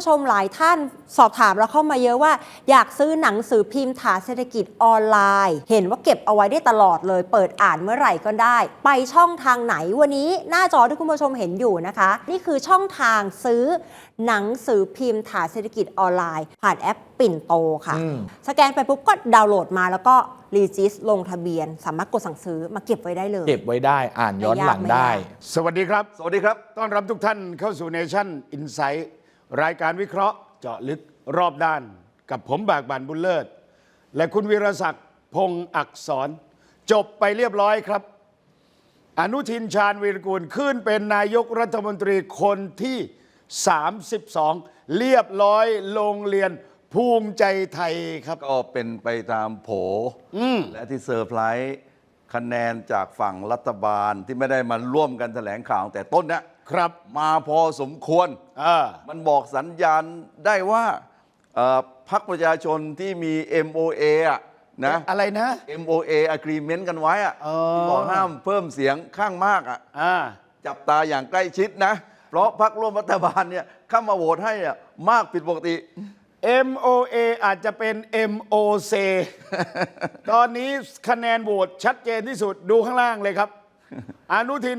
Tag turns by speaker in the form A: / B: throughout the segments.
A: ชมหลายท่านสอบถามเราเข้ามาเยอะว่าอยากซื้อหนังสือพิมพ์ฐานเศรษฐกิจออนไลน์เห็นว่าเก็บเอาไว้ได้ตลอดเลยเปิดอ่านเมื่อไหร่ก็ได้ไปช่องทางไหนวันนี้หน้าจอที่คุณผู้ชมเห็นอยู่นะคะนี่คือช่องทางซื้อหนังสือพิมพ์ฐานเศรษฐกิจออนไลน์ผ่านแอปปิ่นโตค่ะสแกนไปปุ๊บก็ดาวน์โหลดมาแล้วก็รีจิสลงทะเบียนสามารถกดสั่งซื้อมาเก็บไว้ได้เลย
B: เก็บไว้ได้อ่านย้อนหลังได้
C: สวัสดีครับ
D: สวัสดีครับ
C: ต้อนรับทุกท่านเข้าสู่เนชั่นอินไซต์รายการวิเคราะห์เจาะลึกรอบด้านกับผมบากบั่นบุญเลิศและคุณวีรศักดิ์พงษ์อักษรจบไปเรียบร้อยครับอนุทินชาญวีรกูลขึ้นเป็นนายกรัฐมนตรีคนที่32เรียบร้อยโรงเรียนภูมิใจไทยครับ
D: ก็เป็นไปตามโผและที่เซอร์ไพรส์คะแนนจากฝั่งรัฐบาลที่ไม่ได้มาร่วมกันแถลงข่าวแต่ต้นนะครับมาพอสมควรมันบอกสัญญาณได้ว่าพรรคประชาชนที่มี MOA นะ
C: อะไรนะ
D: MOA agreement กันไว้บอกห้ามเพิ่มเสียงข้างมากจับตาอย่างใกล้ชิดนะเพราะพรรคร่วมรัฐบาลเนี่ยเข้ามาโหวตให้มากผิดปกติ
C: MOA อาจจะเป็น MOC ตอนนี้คะแนนโหวตชัดเจนที่สุดดูข้างล่างเลยครับ อนุทิน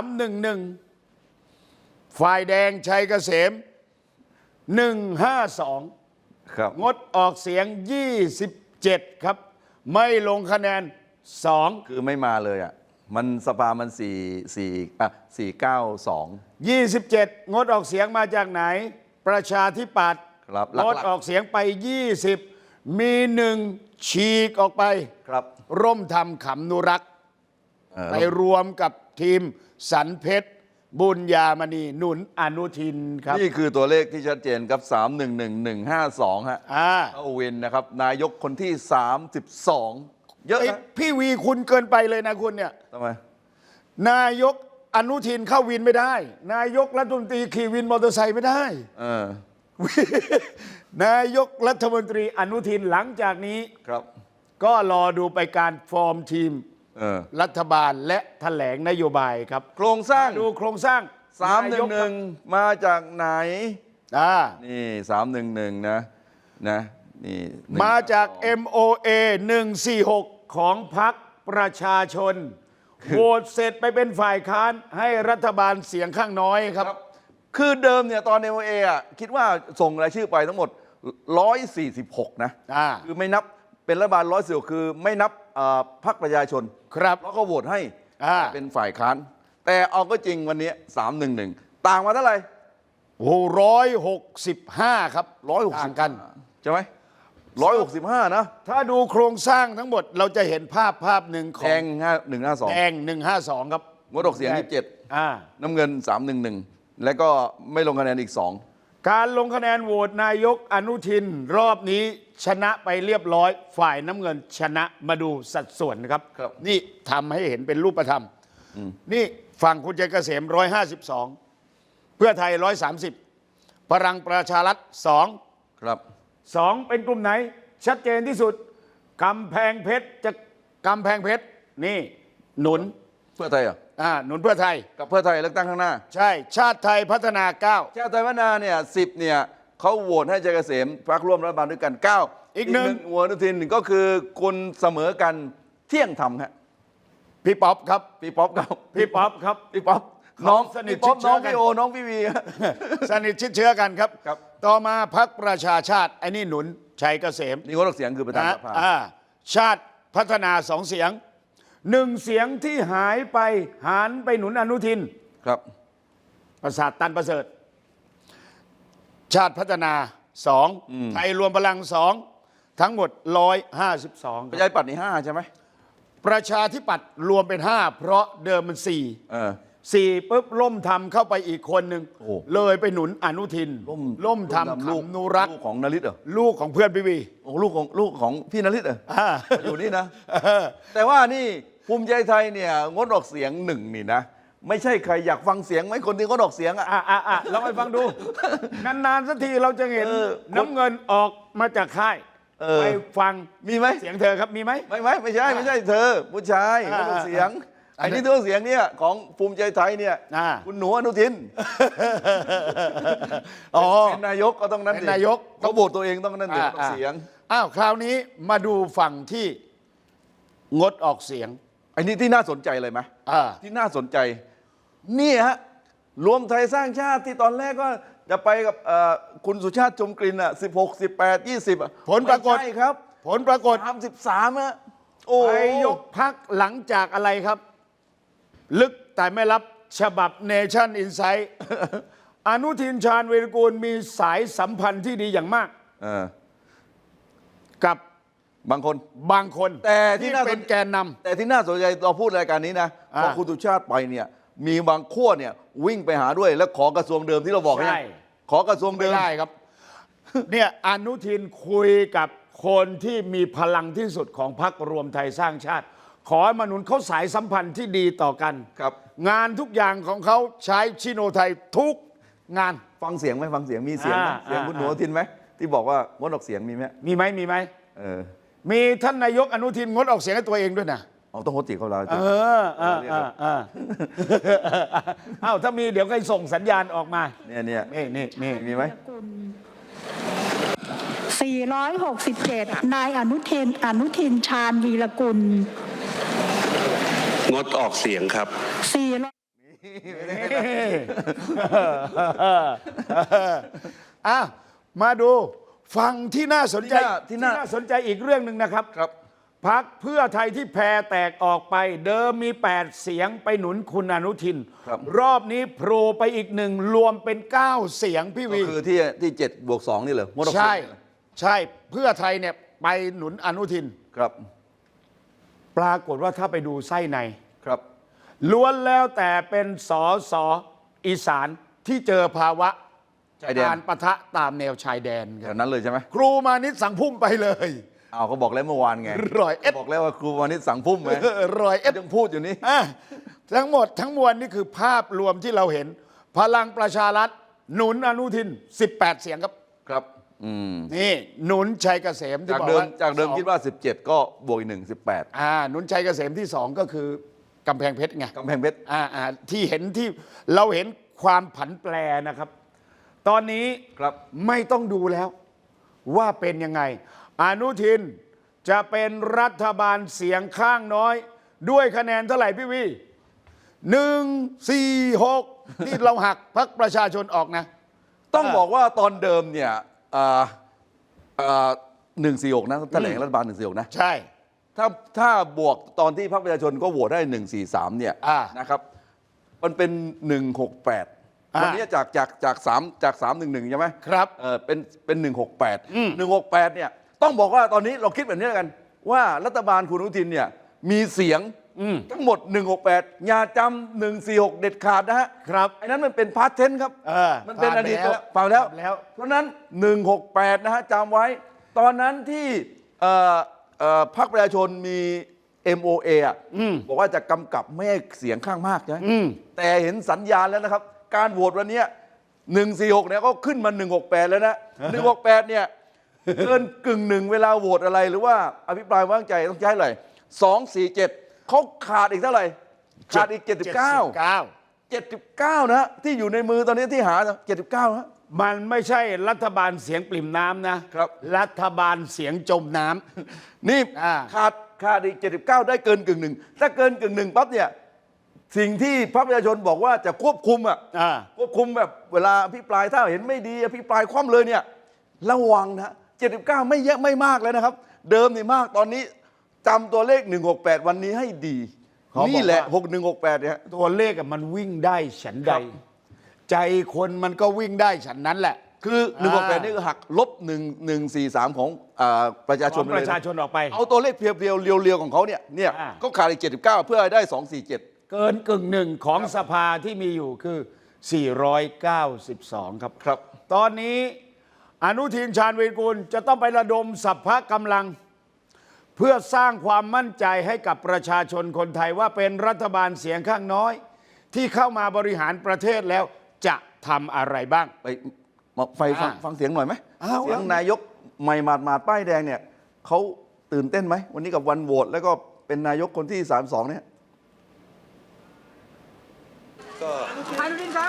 C: 311ฝ่ายแดงชัยเกษม152
D: ครับ
C: งดออกเสียง27ครับไม่ลงคะแนน2
D: คือไม่มาเลยมันสภามัน492
C: 27งดออกเสียงมาจากไหนประชาธิปัตย์งดออกเสียงไป20มี1ฉีกออกไป
D: ครับ
C: ร่มธรรมขำนุรักษ์ไปรวมกับทีมสันเพชรบุญญามณีหนุนอนุทินครับ
D: นี่คือตัวเลขที่ชัดเจนครับ311152ฮะเข้าวินนะครับนายกคนที่32เยอะนะ
C: พี่วีคุณเกินไปเลยนะคุณเนี่ย
D: ทำไม
C: นายกอนุทินเข้าวินไม่ได้นายกรัฐมนตรีขี่วินมอเตอร์ไซค์ไม่ได้นายกรัฐมนตรีอนุทินหลังจากนี้
D: ครับ
C: ก็รอดูไปการฟอร์มทีมรัฐบาลและแถลงนโยบายครับ
D: โครงสร้าง
C: ดูโครงสร้าง
D: 311มาจากไหนนี่311นะนี่
C: มาจาก MOA 146ของพรรคประชาชนโหวตเสร็จไปเป็นฝ่ายค้านให้รัฐบาลเสียงข้างน้อยครับ
D: คือเดิมเนี่ยตอน MOA คิดว่าส่งรายชื่อไปทั้งหมด146นะคือไม่นับเป็นรัฐบาล146คือไม่นับพรรคประชาชน
C: ครับ
D: แล้วก็โหวตให้เป็นฝ่ายค้านแต่เอาก็จริงวันนี้311ต่างมาเท่าไหร่
C: โอ้165ครับต่างกัน
D: ใช่ไหม165นะ
C: ถ้าดูโครงสร้างทั้งหมดเราจะเห็นภาพหนึ่งของ
D: แดง152
C: แดง152ครับ
D: งดออกเสียง27น้ำเงิน311แล้วก็ไม่ลงคะแนนอีก2
C: การลงคะแนนโหวตนายกอนุทินรอบนี้ชนะไปเรียบร้อยฝ่ายน้ำเงินชนะมาดูสัดส่วนนะครับนี่ทำให้เห็นเป็นรูปธรรมนี่ฝั่งคุณชัยเกษม152เพื่อไทย130พลังประชารัฐ2
D: ครับ
C: 2เป็นกลุ่มไหนชัดเจนที่สุดกำแพงเพชรนี่หนุน
D: เพื่อไทย
C: หนุนเพื่อไทย
D: กับเพื่อไทยเลือกตั้งข้างหน้า
C: ใช่ชาติไทยพัฒนา9
D: ชาติไทยพัฒนาเนี่ย10เนี่ยเขาโหวตให้ชัยเกษมพรรคร่วมรัฐบาลด้วยกัน9อีกหนึ่งหัวอนุทินก็คือคนเสมอกันเที่ยงธรรมครับ
C: พี่ป๊อปครับ
D: พี่ป๊อป
C: น้องสนิทชิดเชื้อกัน
D: น้องพี่วี
C: สนิทชิดเชื้อกันครับต่อมาพรรคประชาชาติไอ้นี่หนุนชัยเกษม
D: นี่งดออกเสียงคือประธานสภา
C: ชาติพัฒนา2เสียง1เสียงที่หายไปหันไปหนุนอนุทิน
D: ครับ
C: ประสาทตันประเสริฐชาติพัฒนา2ไทยรวมพลัง2ทั้งหมด152
D: ประชาธิปัตย์นี่5ใช่ไหม
C: ประชาธิปัตย์รวมเป็น5เพราะเดิมมัน4ปุ๊บล่มทำเข้าไปอีกคนหนึ่งเลยไปหนุนอนุทินล่มทำขำนุรักษ์
D: ลูกของนฤทธิ์
C: ลูกของเพื่อนพี่วี
D: ลูกของพี่นฤทธิ์อยู่นี่นะแต่ว่านี่ภูมิใจไทยเนี่ยงดออกเสียง1นี่นะไม่ใช่ใครอยากฟังเสียงไหมคนที่งดออกเสียง
C: ลองไปฟังดูนานๆสักทีเราจะเห็นน้ำเงินออกมาจากค่ายไปฟัง
D: มีไหม
C: เสียงเธอครับมีไหม
D: ไม่ใช่เธอผู้ชายงดออกเสียงอันนี้ตัวเสียงเนี่ยของภูมิใจไทยเนี่ย คุณหนูอนุทิน
C: อ๋อ
D: เป็นนายกก็ต้องนั้น
C: เป็น
D: สิ
C: นายก
D: เขาโหวตตัวเองต้องนั้นสิต้องเสียง
C: อ้าวคราวนี้มาดูฝั่งที่งดออกเสียง
D: อันนี้ที่น่าสนใจเลยไหม
C: อ่า
D: ที่น่าสนใจนี่ฮะรวมไทยสร้างชาติที่ตอนแรกก็จะไปกับคุณสุชาติชมกลิ่นอ่ะ16 18 20อ่ะ
C: ผลปรากฏ
D: ไม่ใช่ครับ
C: ผลปรากฏ
D: 33อ่ะโอ้
C: ไปยกพักหลังจากอะไรครับ ลึกแต่ไม่รับฉบับ Nation Insight อนุทินชาญวีรกูลมีสายสัมพันธ์ที่ดีอย่างมาก กับบ
D: างคน
C: บางคน
D: แต่ที่
C: ที่
D: น่าสน
C: เป็นแกนนำ
D: แต่ที่น่าสนใจเราพูดรายการนี้นะพอคุณสุชาติไปเนี่ยมีบางขั้วเนี่ยวิ่งไปหาด้วยแล้วขอกระทรวงเดิมที่เราบอก
C: ใช่
D: เนี่ยขอกระทรวง
C: ไม่
D: เดิม
C: ได้ครับ เนี่ยอนุทินคุยกับคนที่มีพลังที่สุดของพรรครวมไทยสร้างชาติ ขอให้มาหนุนเขาสายสัมพันธ์ที่ดีต่อกัน
D: ครับ
C: งานทุกอย่างของเขาใช้ชิโนไทยทุกงาน
D: ฟังเสียงไหมฟังเสียงมีเสียงไหม
C: อ่า
D: เสียงคุณหนู
C: อ่า
D: อนุทินไหมที่บอกว่างดออกเสียงมีไหม
C: มีไหมมีไหม
D: เออ
C: มีท่านนายกอนุทินงดออกเสียงให้ตัวเองด้วยนะ
D: เอาต้องงดติเขาเรา
C: เอ้าถ้ามีเดี๋ยวก็ส่งสัญญาณออกมา
D: เนี่ย
C: นี่
D: มีไหม
E: 467 นายอนุทินชาญวีรกุล
F: งดออกเสียงครับ
C: อ้าวมาดูฟังที่น่าสนใจ
D: ที่น่า
C: สนใจอีกเรื่องหนึ่งนะครับ
D: ครับ
C: พักเพื่อไทยที่แพรแตกออกไป เดิมมี 8 เสียงไปหนุนคุณอนุทิน
D: ครับ
C: รอบนี้โผล่ไปอีกหนึ่งรวมเป็น 9 เสียงพี่
D: ก็
C: วี
D: คือที่7+2นี่เหรองดออกเสี
C: ใช่
D: ยง
C: ใช่เพื่อไทยเนี่ยไปหนุนอนุทิน
D: ครับ
C: ปรากฏว่าถ้าไปดูไส้ใน
D: ครับ
C: ล้วนแล้วแต่เป็นสอสออีสานที่เจอภาวะ
D: ชายแดน
C: การปะทะตามแนวชายแดนค
D: แถ
C: รับ
D: วนั้นเลยใช่ไหม
C: ครูมานิดสั่งพุ่มไปเลย
D: เอาเขาบอกแล้วเมื่อวานไง
C: 100
D: บอกแล้วว่าครูวานิชสั่งพุ่มไหม
C: 100
D: ยังพูดอยู่นี่
C: อ่ะทั้งหมดทั้งมวลนี่คือภาพรวมที่เราเห็น พลังประชารัฐหนุนอนุทิน 18 เสียงครับ
D: ครับ
C: นี่หนุนชัยเกษมที่
D: จาก
C: บอก
D: เดิม
C: ว่า
D: จากเดิม
C: สอง
D: คิดว่า 17 ก็บวกอีก1 18
C: หนุนชัยเกษมที่ 2 ก็คือกำแพงเพชรไง
D: กำแพงเพชร
C: ที่เห็นที่เราเห็นความผันแปรนะครับ ตอนนี้
D: ครับ
C: ไม่ต้องดูแล้วว่าเป็นยังไง อนุทินจะเป็นรัฐบาลเสียงข้างน้อย ด้วยคะแนนเท่าไหร่พี่วี146ที่เราหักพรรคประชาชนออกนะ
D: ต้องบอกว่าตอนเดิมเนี่ย146นะแถลงรัฐบาล146นะ
C: ใช่
D: ถ้าบวกตอนที่พรรคประชาชนก็โหวตได้143เนี่ยนะครับมันเป็น168วันนี้จาก311ใช่ไหม
C: ครับ
D: เป็น168เนี่ยต้องบอกว่าตอนนี้เราคิดแบบนี้แล้วกัน ว่ารัฐบาลคุณอนุทินเนี่ยมีเสียงทั้งหมด168อย่าจำ146เด็ดขาดนะฮะ
C: ครับ
D: ไอ้นั้นมันเป็นพาสเทนครับ มันเป็น
C: ผ่าน
D: อดีต
C: แล้ว
D: เปล่าแล้ว
C: ผ่านแล้ว
D: เพราะฉะนั้น168นะฮะจำไว้ ตอนนั้นที่พรรคประชาชนมี MOA อ่ะบอกว่าจะกำกับไม่ให้เสียงข้างมากใช่ไหมแต่เห็นสัญญาณแล้วนะครับ การโหวตวันนี้146เนี่ยก็ขึ้นมา168แล้วนะ168เนี่ยเกินกึ่งหนึ่งเวลาโหวตอะไรหรือว่าอภิปรายว่างใจต้องใช้อะไร247เขาขาดอีกเท่าไหร่ขาดอีก79นะที่อยู่ในมือตอนนี้ที่หา79นะ
C: มันไม่ใช่รัฐบาลเสียงปริ่มน้ำนะครับ รัฐบาลเสียงจมน้ำ
D: นี่
C: ขาด
D: อีก79ได้เกินกึ่งหนึ่งถ้าเกินกึ่งหนึ่งปั๊บเนี่ยสิ่งที่พรรคประชาชนบอกว่าจะควบคุมควบคุมแบบเวลาอภิปรายถ้าเห็นไม่ดีอภิปรายคว่ำเลยเนี่ยระวังนะ79ไม่เยอะไม่มากแล้วนะครับ เดิมนี่มากตอนนี้จำตัวเลข168วันนี้ให้ดีนี่แหละ6168เนี่ย
C: ตัวเลขมันวิ่งได้ฉันใด
D: ครับ
C: ใจคนมันก็วิ่งได้ฉันนั้นแหละ
D: คือ168นี่คือหักลบ1143ของประชาช
C: ข
D: น
C: อง
D: ไป
C: ป
D: เลย
C: ระชาชนออกไป
D: เอาตัวเลขเพียวๆเรียวๆของเขาเนี่ย
C: อ่า
D: ก็ขาดอีก79เพื่อให้ได้247
C: เกินกึ่งหนึ่งของสภาที่มีอยู่คือ 492 ครับ
D: ครับ
C: ตอนนี้อนุทินชาญวีรกูลจะต้องไประดมสัพพะกำลัง เพื่อสร้างความมั่นใจให้กับประชาชนคนไทยว่าเป็นรัฐบาลเสียงข้างน้อย ที่เข้ามาบริหารประเทศแล้วจะทำอะไรบ้าง
D: ไปฟังเสียงหน่อยไหม
C: อ้าว
D: เสียงนายกใหม่หมาดป้ายแดงเนี่ยเขาตื่นเต้นไหมวันนี้กับวันโหวตแล้วก็เป็นนายกคนที่32เนี่ย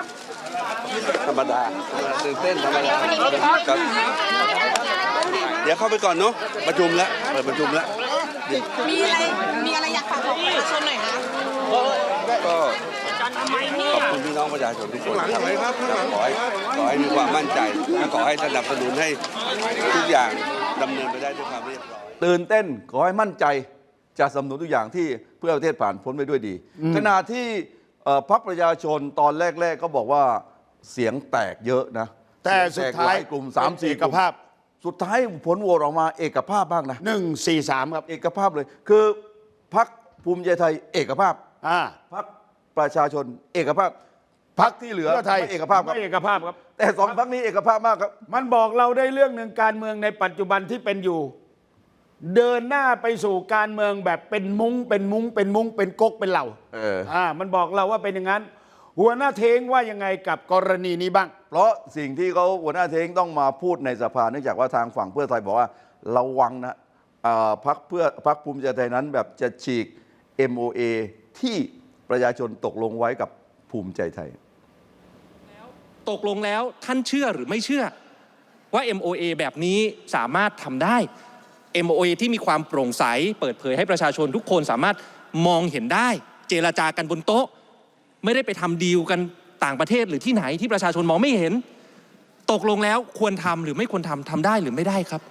F: ธรรมดาตื่นเต้นธรรมดาครับเดี๋ยวเข้าไปก่อนเนาะประชุมแล้วเปิดประชุมแล้ว
G: มีอะไรอยากฝากบอกประชาชนหน่อยคะ
F: ก็ขอบคุณพี่น้องประชาชนทุกคนครับขอให้มีความมั่นใจและขอให้สนับสนุนให้ทุกอย่างดำเนินไปได้ด้วยความเรียบร้อย
D: ตื่นเต้นขอให้มั่นใจจะสนับสนุนทุกอย่างที่เพื่อประเทศผ่านพ้นไปด้วยดี ขณะที่พรรคประชาชนตอนแรกๆก็บอกว่าเสียงแตกเยอะนะ
C: แต่สุดท้าย
D: กลุ่ม
C: เป็น
D: 3-4
C: เอกภาพ
D: สุดท้ายผลโหวตออกมาเอกภาพบ้างนะ
C: 1-4-3 ครับ
D: เอกภาพเลย คือพรรคภูมิใจไทยเอกภาพ
C: อ่า
D: พรรคประชาชนเอกภาพพรรคที่เหลือ
C: เพื่อไทย
D: ไม่เอกภาพครับ
C: ไม่เอกภาพครับ
D: แต่สองพรรคนี้เอกภาพมากครับ
C: มันบอกเราได้เรื่องหนึ่งการเมืองในปัจจุบันที่เป็นอยู่ เดินหน้าไปสู่การเมืองแบบเป็นมุ้งเป็นก๊กเป็นเหล่ามันบอกเราว่าเป็นอย่างนั้น หัวหน้าเทงว่ายังไงกับกรณีนี้บ้าง
D: เพราะสิ่งที่เขาหัวหน้าเทงต้องมาพูดในสภาเนื่องจากว่าทางฝั่งเพื่อไทยบอกว่าระวังนะพรรคภูมิใจไทยนั้นแบบจะฉีก MOA ที่ประชาชนตกลงไว้กับภูมิใจไทย
H: ตกลงแล้วท่านเชื่อหรือไม่เชื่อว่า MOA แบบนี้สามารถทำได้ MOA ที่มีความโปร่งใสเปิดเผยให้ประชาชนทุกคนสามารถมองเห็นได้ เจรจากันบนโต๊ะ ไม่ได้ไปทำดีลกันต่างประเทศหรือที่ไหนที่ประชาชนมองไม่เห็น ตกลงแล้วควรทำหรือไม่ควรทำได้หรือไม่ได้ครับ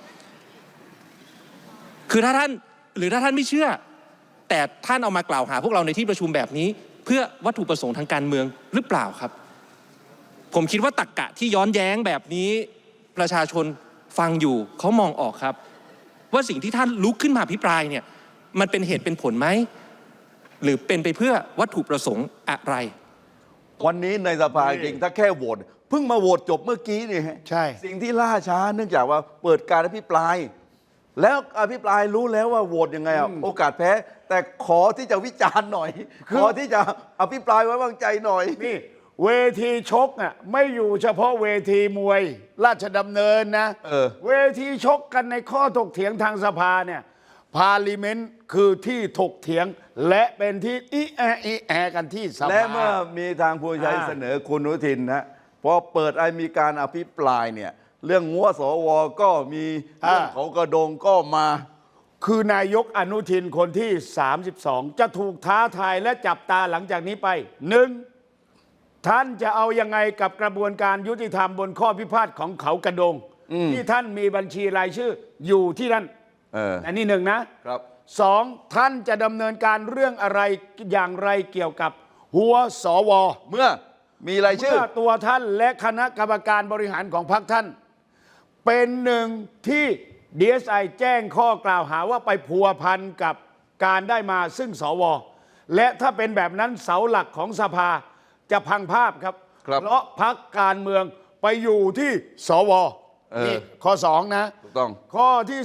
H: คือถ้าท่านไม่เชื่อ แต่ท่านเอามากล่าวหาพวกเราในที่ประชุมแบบนี้ เพื่อวัตถุประสงค์ทางการเมืองหรือเปล่าครับ ผมคิดว่าตรรกะที่ย้อนแย้งแบบนี้ประชาชนฟังอยู่เขามองออกครับ ว่าสิ่งที่ท่านลุกขึ้นมาอภิปรายเนี่ยมันเป็นเหตุเป็นผลไหมหรือเป็นไปเพื่อวัตถุประสงค์อะไร
D: วันนี้ในสภาจริงถ้าแค่โหวตเพิ่งมาโหวตจบเมื่อกี้นี่ฮะ
C: ใช่
D: สิ่งที่ล่าช้าเนื่องจากว่าเปิดการอภิปราย แล้วอภิปรายรู้แล้วว่าโหวตยังไงโอกาสแพ้ แต่ขอที่จะวิจารณ์หน่อย ขอที่จะอภิปรายไว้วางใจหน่อย
C: นี่เวทีชกอ่ะไม่อยู่เฉพาะเวทีมวยราชดำเนินนะเวทีชกกันในข้อถกเถียงทางสภาเนี่ยพาลิเมนต์คือที่ถกเถียงและเป็นที่อีแอกันที่สภา
D: และเมื่อมีทางผู้ใช้เสนอคุณอนุทินนะพอเปิดมีการอภิปรายเนี่ยเรื่องงัวสวก็มีเรื่องเขากระโดงก็มา
C: คือนายกอนุทินคนที่ 32 จะถูกท้าทายและจับตาหลังจากนี้ไปหนึ่งท่านจะเอายังไงกับกระบวนการยุติธรรมบนข้อพิพาทของเขากระโดงที่ท่านมีบัญชีรายชื่ออยู่ที่นั่นอันนี้หนึ่งนะครับสองท่านจะดำเนินการเรื่องอะไรอย่างไรเกี่ยวกับหัวสว
D: เมื่อมีรายชื่อ
C: เมื่อตัวท่านและคณะกรรมการบริหารของพรรคท่านเป็นหนึ่งที่ DSI แจ้งข้อกล่าวหาว่าไปพัวพันกับการได้มาซึ่งสวและถ้าเป็นแบบนั้นเสาหลักของสภาจะพังภาพครับเพราะพรรคการเมืองไปอยู่ที่สวนี่ข้อ2นะ
D: ถูกต้อง
C: ข้อที่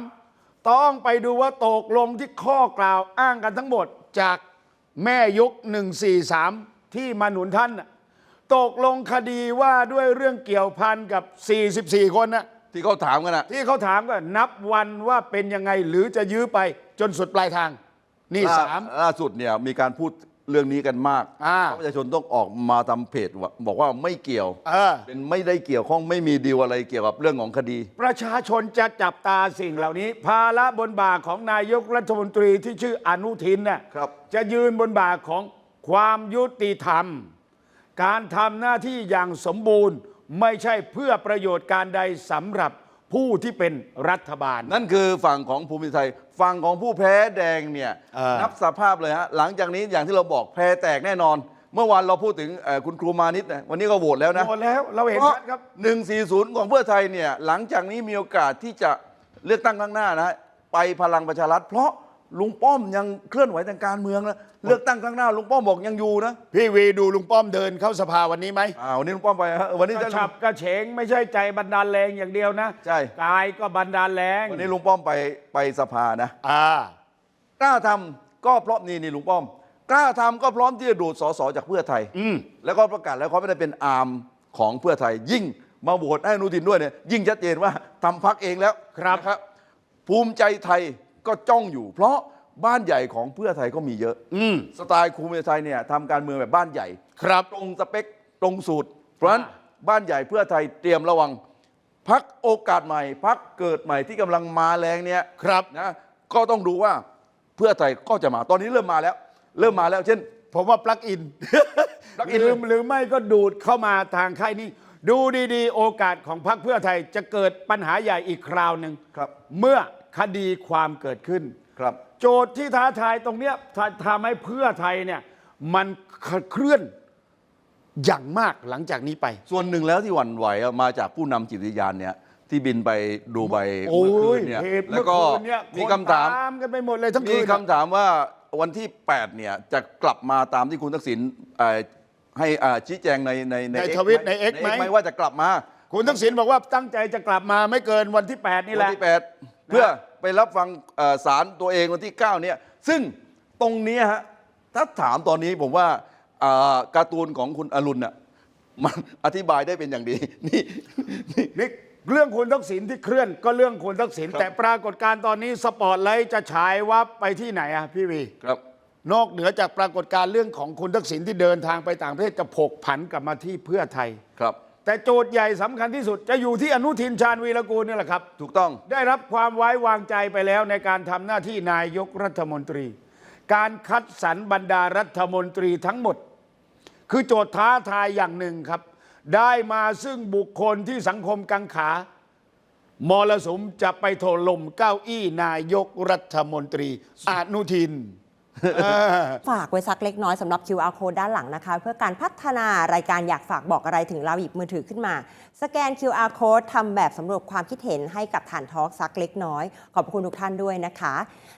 C: 3ต้องไปดูว่าตกลงที่ข้อกล่าวอ้างกันทั้งหมดจากแม่ยก143ที่มาหนุนท่านตกลงคดีว่าด้วยเรื่องเกี่ยวพันกับ44คนนะ
D: ที่เขาถามกัน
C: ที่เขาถามก็นับวันว่าเป็นยังไงหรือจะยื้อไปจนสุดปลายทางนี่
D: ล่าสุดเนี่ยมีการพูดเรื่องนี้กันมากประชาชนต้องออกมาทำเพจบอกว่าไม่เกี่ยวเป็นไม่ได้เกี่ยวข้องไม่มีดีลอะไรเกี่ยวกับเรื่องของคดี
C: ประชาชนจะจับตาสิ่งเหล่านี้ภาระบนบ่าของนายกรัฐมนตรีที่ชื่ออนุทินน่ะจะยืนบนบ่าของความยุติธรรมการทำหน้าที่อย่างสมบูรณ์ไม่ใช่เพื่อประโยชน์การใดสำหรับผู้ที่เป็นรัฐบาล
D: นั่นคือฝั่งของภูมิใจไทยฝั่งของผู้แพ้แดงเนี่ยนับสภาพเลยฮะหลังจากนี้อย่างที่เราบอกแพ้แตกแน่นอนเมื่อวานเราพูดถึงคุณครูมานิตวันนี้ก็โหวตแล้วนะ
C: โหวตแล้วเราเห็นชัดครับ
D: 140ของเพื่อไทยเนี่ยหลังจากนี้มีโอกาสที่จะเลือกตั้งข้างหน้านะไปพลังประชารัฐเพราะลุงป้อมยังเคลื่อนไหวทางการเมืองนะเลือกตั้งข้างหน้าลุงป้อมบอกยังอยู่นะ
C: พี่วีดูลุงป้อมเดินเข้าสภาวันนี้ไหม
D: วันนี้ลุงป้อมไปฮะวันนี้
C: จะฉับกระเฉงไม่ใช่ใจบันดาลแรงอย่างเดียวนะ
D: ใช่
C: กายก็บันดาลแรง
D: วันนี้ลุงป้อมไปสภานะกล้าทำก็เพราะนี่ลุงป้อมกล้าทำก็พร้อมที่จะดูดสสจากเพื่อไทยแล้วก็ประกาศแล้วเขาไม่ได้เป็นอาร์มของเพื่อไทยยิ่งมาโหวตให้อนุทินด้วยเนี่ยยิ่งชัดเจนว่าทำพรรคเองแล้ว
C: ครับ
D: ภูมิใจไทยก็จ้องอยู่เพราะบ้านใหญ่ของเพื่อไทยก็มีเยอะสไตล์ภูมิใจไทยเนี่ยทำการเมืองแบบบ้านใหญ่
C: ครับ
D: ตรงสเปคตตรงสูตร เพราะฉะนั้นบ้านใหญ่เพื่อไทยเตรียมระวังพักโอกาสใหม่พักเกิดใหม่ที่กำลังมาแรงเนี้ย
C: ครับ
D: นะก็ต้องดูว่าเพื่อไทยก็จะมาตอนนี้เริ่มมาแล้ว เช่น
C: ผมว่าปลั๊กอิน
D: plug in
C: หรือไม่ก็ดูดเข้ามาทางค่ายนี้ ดูดีๆ โอกาสของพรรคเพื่อไทยจะเกิดปัญหาใหญ่อีกคราวหนึ่ง
D: ครับ
C: เมื่อคดีความเกิดขึ้น
D: ครับ
C: โจทย์ที่ท้าทายตรงเนี้ยทำให้เพื่อไทยเนี่ยมันเคลื่อนอย่างมากหลังจากนี้ไป
D: ส่วนหนึ่งแล้วที่หวั่นไหวอะมาจากผู้นำจิตวิทยานเนี่ยที่บินไปดูใบ
C: โอ้
D: เมื่อคื
C: ย
D: นเนี่ย
C: เหตุ
D: แล้ว
C: เมื่อ
D: ก็
C: คืนเนี่ย
D: มีคำถาม
C: นกันไปหมดเลยทั้งคื
D: มี
C: น
D: คำถามว่าวันที่ 8 เนี่ยจะกลับมาตามที่คุณทักษิณให้ชี้แจงใน
C: ใน
D: X
C: ทวิตใน X ไหม
D: ว่าจะกลับมา
C: คุณทักษิณบอกว่าตั้งใจจะกลับมาไม่เกินวันที่ 8 นี่แห
D: วั
C: ละ
D: ที่ 8 เพื่อไปรับฟังศาลตัวเองวันที่ 9 เนี่ยซึ่งตรงนี้ฮะถ้าถามตอนนี้ผมว่าการ์ตูนของคุณอรุณน่ะมันอธิบายได้เป็นอย่างดี นี่
C: นี่เรื่องคุณทักษิณที่เคลื่อนก็เรื่องคุณทักษิณ
D: ครับ
C: แต่ปรากฏการณ์ตอนนี้สปอตไลท์จะฉายวับไปที่ไหนอะพี่วี
D: ครับ
C: นอกเหนือจากปรากฏการณ์เรื่องของคุณทักษิณที่เดินทางไปต่างประเทศจะผกผันกลับมาที่เพื่อไทย
D: ครับ
C: แต่โจทย์ใหญ่สำคัญที่สุดจะอยู่ที่อนุทินชาญวีรกูลนี่แหละครับ
D: ถูกต้อง
C: ได้รับความไว้วางใจไปแล้วในการทำหน้าที่นายกรัฐมนตรี การคัดสรรบรรดารัฐมนตรีทั้งหมด คือโจทย์ท้าทายอย่างหนึ่งครับ ได้มาซึ่งบุคคลที่สังคมกังขามรสุมจะไปถล่มเก้าอี้นายกรัฐมนตรีอนุทิน
A: ฝากไว้สักเล็กน้อยสำหรับ QR code ด้านหลังนะคะ เพื่อการพัฒนารายการอยากฝากบอกอะไรถึงเราหยิบมือถือขึ้นมา สแกน QR code ทำแบบสำรวจความคิดเห็นให้กับฐานทอล์กสักเล็กน้อย ขอบคุณทุกท่านด้วยนะคะ